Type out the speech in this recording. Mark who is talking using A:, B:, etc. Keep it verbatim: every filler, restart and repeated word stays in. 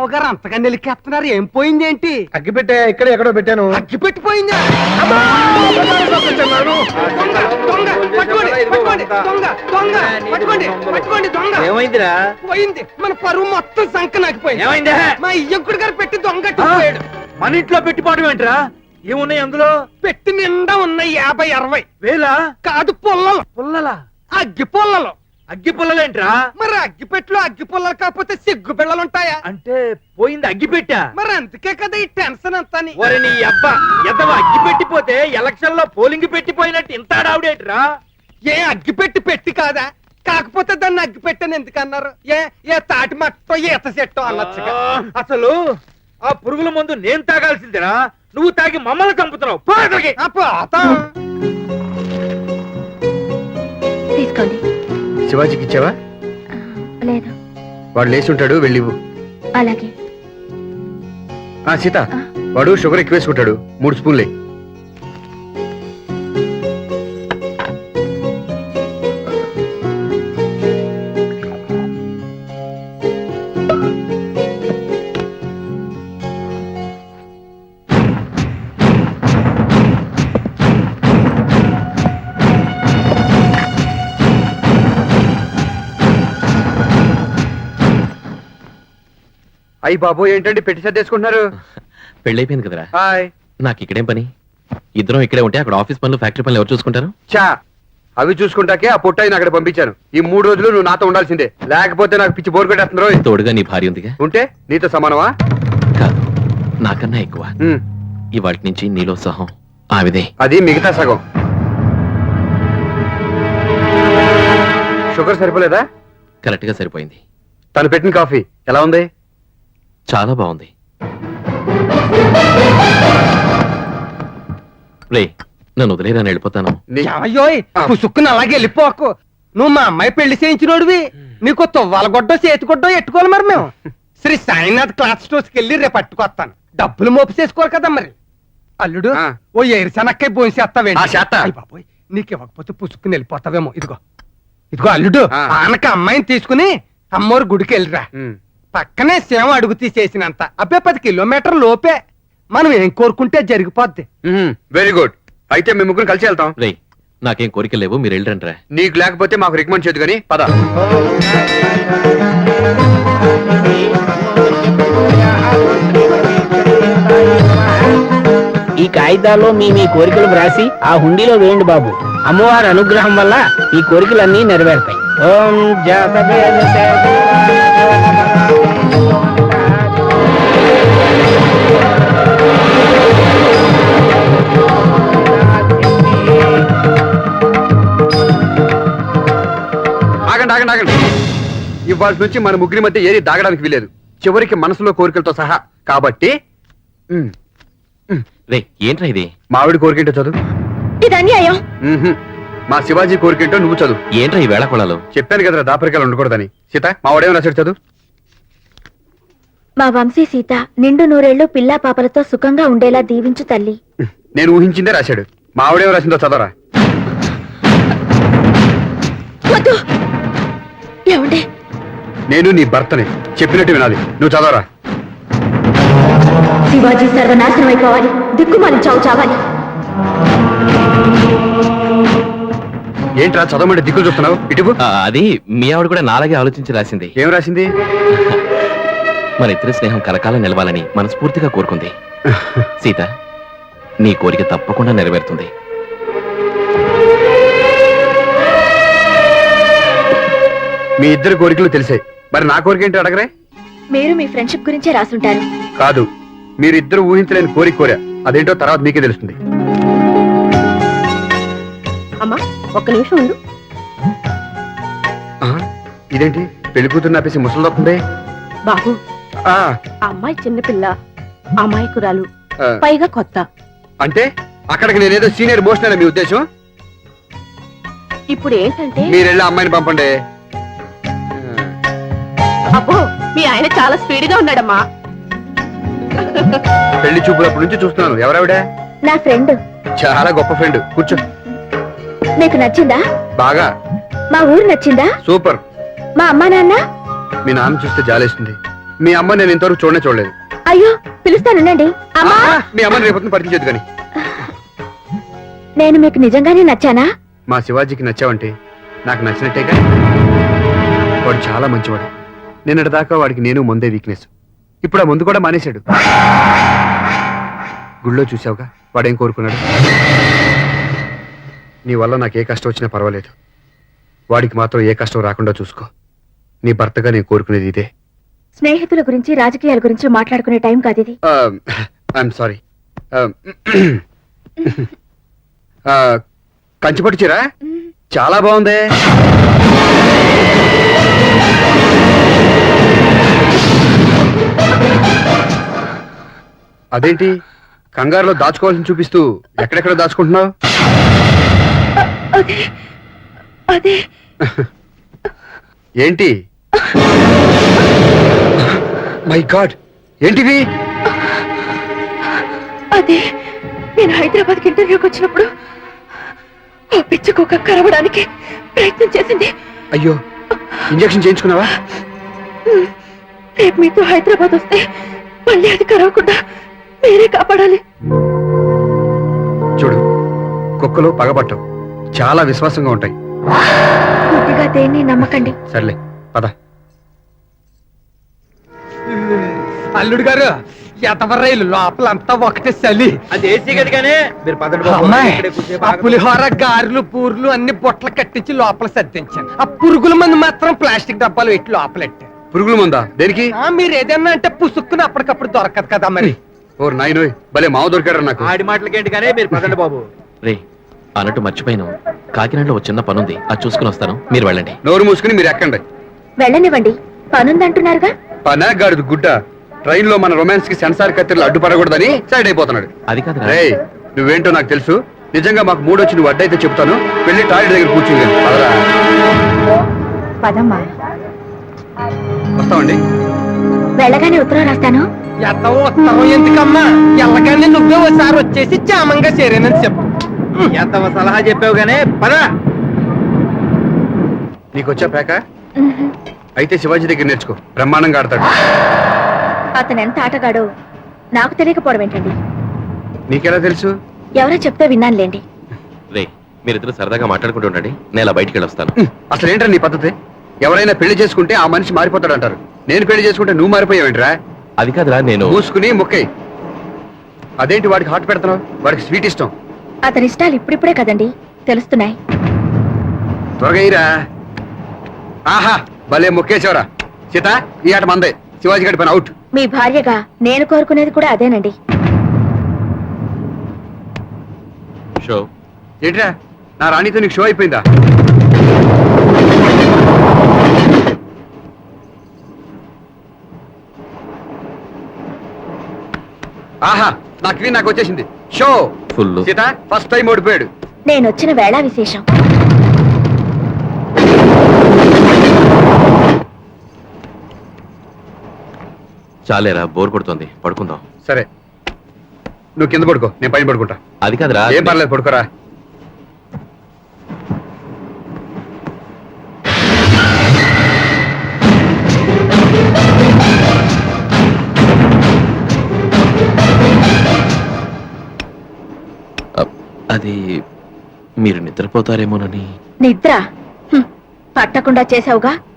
A: గారు అంతగా నిలికేస్తున్నారు. ఏం పోయింది ఏంటి?
B: అగ్గి పెట్టే ఇక్కడ ఎక్కడో పెట్టాను.
A: అగ్గి పెట్టిపోయిందా?
B: ఏమైందిరా?
A: పోయింది. మన పరువు మొత్తం సంక నాకిపోయింది.
B: ఏమైంది?
A: మా ఇయ్యంకుడు గారు పెట్టి దొంగట్టిపోయాడు.
B: మన ఇంట్లో పెట్టిపోవడం ఏంట్రా? ఏమున్నాయి అందులో?
A: పెట్టి నిండా ఉన్నాయి యాభై అరవై
B: వేలా
A: కాదు పుల్లలు.
B: పుల్లలా?
A: అగ్గి పుల్లలు.
B: అగ్గి పుల్లలేంట్రా?
A: మరి అగ్గి పెట్టులో అగ్గి పుల్లలు కాకపోతే సిగ్గు పిల్లలు ఉంటాయా?
B: అంటే పోయింది అగ్గి పెట్టా.
A: మరి అందుకే కదా ఈ టెన్షన్ అంతా.
B: ఒరే నీ అబ్బా ఎదవ, అగ్గి పెట్టిపోతే ఎలక్షన్ లో పోలింగ్ పెట్టిపోయినట్టు ఇంత ఆడావుడేట్రా?
A: ఏ అగ్గి పెట్టి పెట్టి కాదా? కాకపోతే దాన్ని అగ్గి పెట్టని ఎందుకన్నారు? ఏ ఏ తాటి మట్టో ఈత చెట్టో అనొచ్చు.
B: అసలు ఆ పురుగుల మందు నేను తాగాల్సిందిరా, నువ్వు తాగి మమ్మల్ని చంపుతున్నావు.
C: తీసుకోండి.
D: శివాజీకి ఇచ్చావా?
C: లేదు.
D: వాడు లేచి ఉంటాడు, వెళ్ళివు.
C: అలాగే.
D: సీత, వాడు షుగర్ ఎక్కువ వేసుకుంటాడు, మూడు స్పూన్లే. అయ్యి బాబు, ఏంటండి పెట్టి సర్దేసుకుంటున్నారు?
E: పెళ్ళైపోయింది కదరా.
D: హాయ్.
E: నాకు ఇక్కడేం పని? ఇద్దరం ఇక్కడే ఉంటే అక్కడ ఆఫీస్ పనులు, ఫ్యాక్టరీ పనులు ఎవరు చూసుకుంటారు?
D: చా, అవి చూసుకుంటాకే ఆ పొట్టాయిని అక్కడ పంపించాను. ఈ మూడు రోజులు నువ్వు నాతో ఉండాల్సిందే, లేకపోతే నాకు పిచ్చి బోర్ కొట్టేస్తుందో.
E: తోడుగా నీ భార్య ఉందిగా.
D: ఉంటే నీతో సమానమా?
E: కాదు, నాకన్నా ఎక్కువ.
D: ఉమ్,
E: ఇవాటి నుంచి నీలో సహం ఆవిదే.
D: అది మిగతా సగం. షుగర్ సరిపోలేదా?
E: కరెక్ట్ గా సరిపోయింది.
D: తను పెట్టిన కాఫీ ఎలా ఉంది?
E: చాలా బాగుంది. రే, నన్ను వదిలేరా, వెళ్ళిపోతాను.
A: అయ్యోయ్, పుసుక్కుని అలాగే వెళ్ళిపోకు. నువ్వు మా అమ్మాయి పెళ్లి చేయించినోడివి. నీకు తువ్వాలగొడ్డో చేతిగొడ్డో ఎట్టుకోవాలి. మరి మేము శ్రీ సాయినాథ్ క్లాత్ స్టోర్స్ కి వెళ్ళి రేపు పట్టుకొస్తాను. డబ్బులు మోపు చేసుకోరు కదా మరి. అల్లుడు, ఓ ఎరిసనక్కై భోంచేస్తావేంటి? బాబోయ్, నీకు ఇవ్వకపోతే పుసుక్కుని వెళ్ళిపోతావేమో. ఇదిగో ఇదిగో అల్లుడు, ఆనక అమ్మాయిని తీసుకుని అమ్మోరు గుడికి వెళ్ళిరా. పక్కనే సేవ అడుగు తీసేసినంత. అబ్బే పది కిలోమీటర్ లోపే. మనం ఏం కోరుకుంటే జరిగిపోద్ది.
D: Very good. అయితే మేము ముగ్గురు కలిసి వెళ్తాం.
E: రే, నాకేం కోరిక లేవు, మీరు వెళ్ళరంట్రా.
D: నీకు లేకపోతే మాకు రికమెండ్ చేయదు కానీ పద.
F: ఈ కాగితాల్లో మీ మీ కోరికలు వ్రాసి ఆ హుండీలో వేయండి బాబు. అమ్మవారి అనుగ్రహం వల్ల ఈ కోరికలన్నీ నెరవేరుతాయి. ఓం
D: ఆగండి ఆగండి ఆగండి. ఇవాళ నుంచి మన ముగ్గురి మధ్య ఏది దాగడానికి వీలేదు, చివరికి మనసులో కోరికలతో సహా. కాబట్టి
E: రే, ఏంట్రా ఇది?
D: మావిడి కోరికేంటో చదువు.
C: ఇది అన్యాయం.
D: మా శివాజీ కోరికేంటో నువ్వు చదువు.
E: ఏంట్రా ఈ వేళ కొడాలు?
D: చెప్పాను కదరా, దాపరికాలు ఉండకూడదని. సీత, మావాడేమో రాశాడు, చదువు.
C: మా వంశీ సీత నిండు నూరేళ్లు పిల్లా పాపలతో సుఖంగా ఉండేలా దీవించు తల్లి.
D: నేను ఊహించిందే రాశాడు. మావిడేమో రాసిందో చదవరా.
C: వద్దు. ఏమండి,
D: నేను నీ భర్తని, చెప్పినట్టు వినాలి. నువ్వు చదవరా.
C: శివాజీ సర్వనాశనం అయిపోవాలి, దిక్కుమాలి చావు చావాలి.
D: ఏంట్రా చదవమంటే దిక్కులు చూస్తున్నావు? ఇటువు.
E: అది మీ ఆవిడ కూడా నాలాగే ఆలోచించి రాసింది.
D: ఏం రాసింది?
E: మన ఇద్దరి స్నేహం కలకాలం నిలవాలని మనస్ఫూర్తిగా కోరుకుంది. సీత, నీ కోరిక తప్పకుండా నెరవేరుతుంది.
D: మీ ఇద్దరు కోరికలు తెలిసాయి, మరి నా కోరిక ఏంటో అడగరే?
C: మీరు మీ ఫ్రెండ్షిప్ గురించే రాసుంటారు.
D: కాదు, మీరిద్దరు ఊహించలేని కోరిక కోరా. అదేంటో తర్వాత మీకే తెలుస్తుంది.
C: అమ్మా, ఒక్క నిమిషం ఉండు.
D: ఇదేంటి పెళ్లి కూతురు నాపేసి ముసలిదొస్తుంది?
G: బాబు, అమ్మాయి చిన్నపిల్ల, అమాయకురాలు, పైగా కొత్త.
D: అంటే అక్కడికి నేనేదో సీనియర్ మోషన్ మీ ఉద్దేశం?
G: ఇప్పుడు ఏంటంటే
D: మీరెళ్ళి అమ్మాయిని పంపండి.
G: అబ్బో, మీ ఆయన చాలా స్పీడ్ గా ఉన్నాడమ్మా.
D: పెళ్లి చూపులప్పటి నుంచి చూస్తున్నాను. ఎవరావిడ?
C: నా ఫ్రెండ్.
D: చాలా గొప్ప ఫ్రెండ్. కూర్చో.
C: నీకు నచ్చిందా?
D: బాగా.
C: మా ఊరు నచ్చిందా?
D: సూపర్.
C: మా అమ్మా నాన్న?
D: మీ నాన్న చూస్తే జాలేస్తుంది. మీ అమ్మ నేను ఇంతవరకు చూడనే చూడలేదు.
C: అయ్యో పిలుస్తానుండండి. అమ్మా,
D: ఆ, మీ అమ్మని రేపొద్దున పరిచయం కానీ.
C: నేను మీకు నిజంగానే నచ్చానా?
D: మా శివాజీకి నచ్చావంటే నాకు నచ్చినట్టేగా. వాడు చాలా మంచివాడు. నిన్నటి దాకా వాడికి నేను ముందే వీక్నెస్. ఇప్పుడు ఆ ముందు కూడా మానేశాడు. గుళ్ళో చూసావుగా వాడేం కోరుకున్నాడు. నీ వల్ల నాకు ఏ కష్టం వచ్చినా పర్వాలేదు, వాడికి మాత్రం ఏ కష్టం రాకుండా చూసుకో. నీ భర్తగా నేను కోరుకునేది ఇదే.
C: స్నేహితుల గురించి రాజకీయాల గురించి మాట్లాడుకునే టైం కాదు ఇది.
D: I'm sorry. కంచిపట్టు చీర చాలా బాగుంది. అదేంటి కంగారులో దాచుకోవాల్సిన చూపిస్తూ ఎక్కడెక్కడ దాచుకుంటున్నావు?
C: అదే అదే
D: ఏంటి? మై గాడ్, ఏంటివి?
C: అదే నేను హైదరాబాద్ ఇంటర్వ్యూకి వచ్చినప్పుడు ఆ పిచ్చుకోక కరవడానికి ప్రయత్నం చేసింది.
D: అయ్యో, ఇంజెక్షన్ చేయించుకున్నావా?
C: రేపు మీతో హైదరాబాద్ వస్తే మళ్ళీ అది కరవకుండా మీరే కాపాడాలి.
D: చూడు, కుక్కలు పగబట్టవు, చాలా విశ్వాసంగా ఉంటాయి.
C: పూర్తిగా దేన్ని నమ్మకండి.
D: సర్లే పద.
A: అల్లుడు గారు ఎతవర్రైలు లోపలంతా ఒకటే చలి.
B: అది ఏసీ గది కానీ మీరు పదండి బాబు.
A: అమ్మాయి,
B: ఇక్కడే కూర్చోే
A: ఆ
B: బాగా-
A: పులిహోర గారెలు పూర్లు అన్ని బొట్టలు కట్టించి లోపల సర్దించాను. ఆ పురుగుల మంది మాత్రం ప్లాస్టిక్ డబ్బాలు పెట్టి లోపలెట్టాను.
D: పురుగుల మందా? దేనికి?
A: ఆ, మీరు ఏదన్నా అంటే పుసుక్కుని అప్పటికప్పుడు దొరకదు కదా మరి.
D: ఓ నాయనోయ్, భలే మావ దొరికాడు నాకు.
B: ఆడి మాటలకేంటి కానీ మీరు పదండి బాబు.
E: రే అన్నట్టు మర్చిపోయాను, కాకినాడలో ఒక చిన్న పనుంది, అది చూసుకుని వస్తాను, మీరు వెళ్ళండి.
D: నోరు మూసుకుని మీరు ఎక్కండి.
C: వెళ్ళనివ్వండి, పనుందంటున్నారుగా.
D: పనాగాడు గుడ్డ ట్రైన్ లో మన రొమాన్స్ కి సెన్సార్ కత్తిరలు అడ్డుపడకూడదని సైడ్ అయిపోతున్నాడు.
E: అది కాదు
D: రేయ్, నువ్వేంటో నాకు తెలుసు. నిజంగా మాకు మూడు వచ్చి నువ్వు అడ్డైతే చెప్తాను. వెళ్ళి టాయిలెట్ దగ్గర కూర్చుంది. పదరా.
C: పదమ్మా.
D: వస్తామండి.
C: వెళ్ళగానే ఉత్తరం రాస్తాను.
A: ఎంత ఉత్తరం ఎందుకమ్మా, ఎల్లగానే నువ్వే ఒకసారి వచ్చేసి క్షేమంగా చేరేనని చెప్పు.
B: ఎంత సలహా చెప్పావు గానీ పద.
D: నీకొచ్చా పేక? అయితే శివాజీ దగ్గర నేర్చుకో, బ్రహ్మాండంగా ఆడతాడు.
C: అతను ఎంత ఆటగాడో నాకు తెలియకపోవడం ఏంటండి?
D: నీకెలా తెలుసు?
C: ఎవరో చెప్తే విన్నానులేండి.
E: రే మీరిద్దరు సరదాగా మాట్లాడుకుంటూ ఉండండి, నేను ఇలా బయటికి వెళ్ళొస్తాను.
D: హ్మ్, అసలు ఏంట్రా నీ పద్ధతి? ఎవరైనా పెళ్లి చేసుకుంటే ఆ మనిషి మారిపోతాడు అంటారు. నేను పెళ్లి చేసుకుంటే నువ్వు మారిపోయావేంట్రా?
E: అది కాదురా, నేను
D: మూసుకుని ముక్కై. అదేంటి వాడికి హాట్ పెడుతున్నావు? వాడికి స్వీట్ ఇష్టం.
C: అతని ఇష్టాలు ఇప్పుడిప్పుడే కదండి తెలుస్తున్నాయి.
D: త్వరగా ఇరా. ఆహా, భలే మొక్కేసేవరా. సీత, ఈ ఆట మందే. శివాజీ గడి పని అవుట్.
C: మీ భార్యగా నేను కోరుకునేది కూడా అదేనండి.
E: షో
D: ఏంట్రా, నా రాణితో నీకు షో అయిపోయిందా? ఆహా, నా క్వీన్ నాకు వచ్చేసింది. Show
E: full.
D: Sita first time ఓడిపోయాడు.
C: నేను వచ్చిన వేళ విశేషం.
E: చాలేరా, బోర్ కొడుతుంది, పడుకుందాం.
D: సరే, నువ్వు కింద పడుకో, నేను పైన పడుకుంటా.
E: అది కాదురా,
D: ఏం పర్లేదు, పడుకోరా.
E: అది మీరు నిద్రపోతారేమోనని.
C: నిద్ర హ్మ్, పట్టకుండా చేసావుగా.